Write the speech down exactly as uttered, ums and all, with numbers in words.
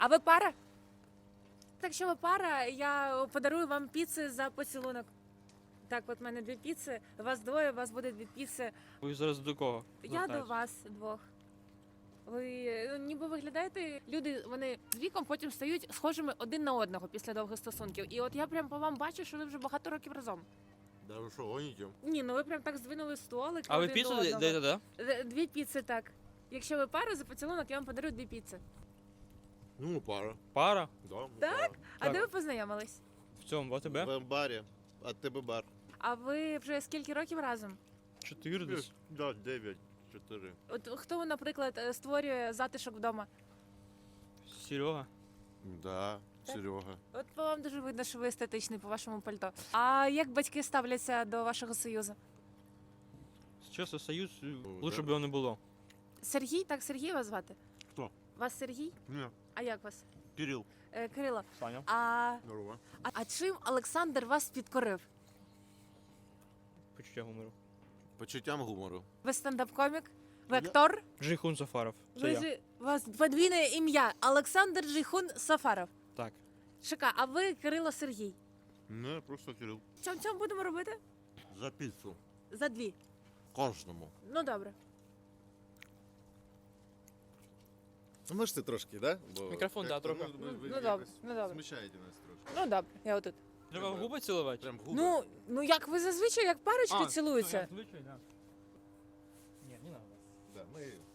А ви пара? Так, якщо ви пара, я подарую вам піци за поцілунок. Так, от в мене дві піци, вас двоє, у вас буде дві піци. Ви зараз до кого? Я до звертаєтесь? вас двох. Ви ну, ніби виглядаєте, люди, вони з віком потім стають схожими один на одного після довгих стосунків. І от я прям по вам бачу, що ви вже багато років разом. Да ви що, гоніте? Ні, ну ви прям так здвинули столик. А ви один піцу до одного. даєте, да? Д- Дві піци, так. Якщо ви пара, за поцілунок я вам подарую дві піци. Ну, ми пара. Пара? Да, ми Так? пара. А Так. де ви познайомились? В цьому, в АТБ? В барі, а тебе бар. А ви вже скільки років разом? Чотири десь. Да, дев'ять, чотири. От хто, наприклад, е, створює затишок вдома? Серега. Да, Так. Серега. От по вам дуже видно, що ви естетичний по вашому пальто. А як батьки ставляться до вашого союзу? Чесно, союз Ну, лучше да. б його не було. Сергій, так Сергій вас звати? Хто? Вас Сергій? Ні, А як вас? Кирил. Е, Кирило. Саня. А, Здорово. а, а чим Олександр вас підкорив? Почуття гумору. Почуттям гумору. Ви стендап-комік? Ви Я- актор? Джейхун Сафаров. Це Ви я. ж, у вас подвійне ім'я Олександр Джейхун Сафаров. Так. Шика, а ви Кирило Сергій. Не, просто Кирил. Чому цьому будемо робити? За піцу. За дві. Кожному. Ну добре. Можете трошки, да? Бо Мікрофон, да, трохи. ви- ви- ви Ну, якось добре, ну, добре. Смущаєте нас трошки. Ну добре, я отут. Треба в губи цілувати? Прям губи. Ну, ну як ви зазвичай, як парочки цілуються. Звичайно. Ні, не треба. Да, ми